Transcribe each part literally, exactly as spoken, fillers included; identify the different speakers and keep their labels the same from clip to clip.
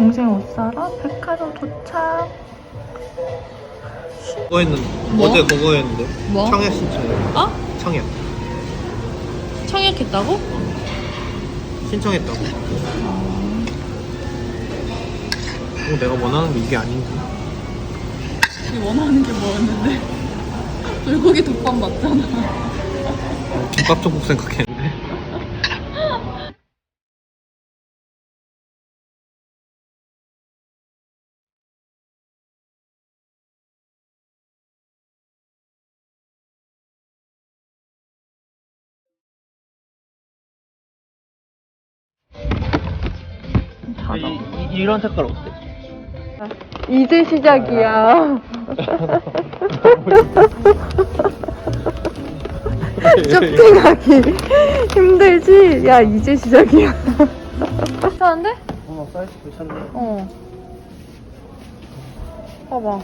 Speaker 1: 동생 옷 사러 백화점 도착.
Speaker 2: 그거 했는데
Speaker 1: 뭐?
Speaker 2: 어제 그거 했는데
Speaker 1: 뭐?
Speaker 2: 청약 신청해.
Speaker 1: 어?
Speaker 2: 청약
Speaker 1: 청약했다고?
Speaker 2: 신청했다고. 어, 내가 원하는 게 이게 아닌데.
Speaker 1: 네 원하는 게 뭐였는데? 불고기 덮밥 맞잖아.
Speaker 2: 어, 김밥 천국 생각했는데. 이, 이, 이런 색깔 어때?
Speaker 1: 이제 시작이야. 쇼핑하기 힘들지? 야, 이제 시작이야. 괜찮은데?
Speaker 2: 어 사이즈 괜찮네.
Speaker 1: 어. 봐봐.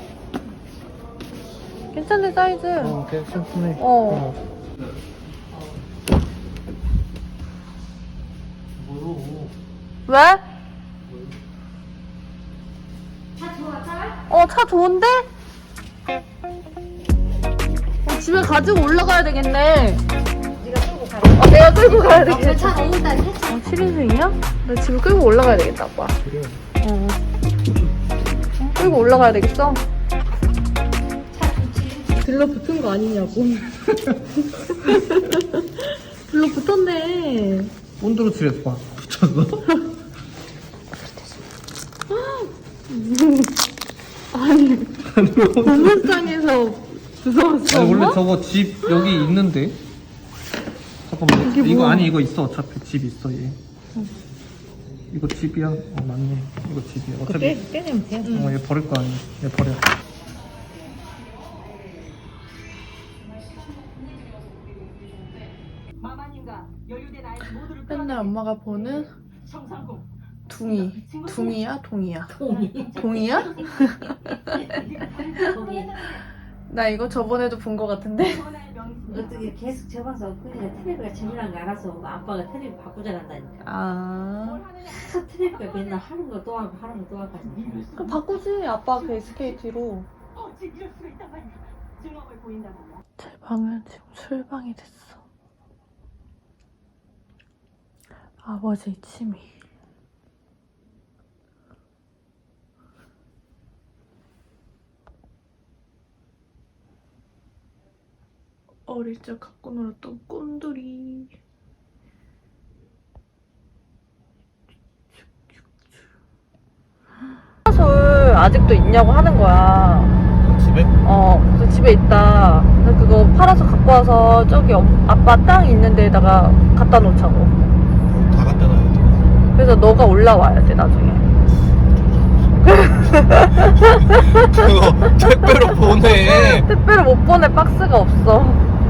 Speaker 1: 괜찮네, 사이즈.
Speaker 2: 어 괜찮네.
Speaker 1: 어.
Speaker 2: 뭐요?
Speaker 1: 왜? 어, 차 좋은데? 어, 집에 가지고 올라가야 되겠네.
Speaker 3: 네가 끌고 가.
Speaker 1: 어, 내가 끌고 가야
Speaker 3: 저
Speaker 1: 되겠다.
Speaker 3: 차 너무 따뜻해.
Speaker 1: 어, 칠 인승이야? 나 집에 끌고 올라가야 되겠다, 아빠.
Speaker 2: 그래.
Speaker 1: 어. 어, 끌고 올라가야 되겠어?
Speaker 3: 차 좋지.
Speaker 1: 들러붙은 거 아니냐고. 들러붙었네.
Speaker 2: 온도로칠에서 봐. 붙였어?
Speaker 1: 아니, 공물상에서 무서웠어.
Speaker 2: 아니 원래
Speaker 1: 엄마?
Speaker 2: 저거 집 여기 있는데. 잠깐만.
Speaker 1: 이게
Speaker 2: 이거
Speaker 1: 뭐야?
Speaker 2: 아니 이거 있어. 어차피 집 있어 얘. 이거 집이야. 어 맞네. 이거 집이야. 어차피.
Speaker 3: 빼, 빼내면 돼.
Speaker 2: 어, 얘 버릴 거 아니야. 얘 버려.
Speaker 1: 맨날 엄마가 보는 둥이. 둥이야? 동이야? 동이야?
Speaker 3: 거기
Speaker 1: 나 이거 저번에도 본 거 같은데?
Speaker 3: 어떻게 계속 접어서 그냥 테레비가 재미난 거 알아서 아빠가 테레비 바꾸자 한다니까.
Speaker 1: 아.
Speaker 3: 계속 테레비가 맨날 하는 거 또 하고 하는 거 또 하고 하니까.
Speaker 1: 그럼 바꾸지. 아빠 그 에스케이티로. 제 방은 지금 술방이 됐어. 아버지의 취미. 어릴 적 갖고 놀았던 꼼돌이. 파라솔 아직도 있냐고 하는 거야.
Speaker 2: 집에?
Speaker 1: 어, 그래서 집에 있다. 그래서 그거 팔아서 갖고 와서 저기 엄- 아빠 땅 있는 데다가 갖다 놓자고.
Speaker 2: 다 갖다 놔야 돼.
Speaker 1: 그래서 너가 올라와야 돼, 나중에.
Speaker 2: 그거 택배로 보내.
Speaker 1: 택배를 못 보내 박스가 없어.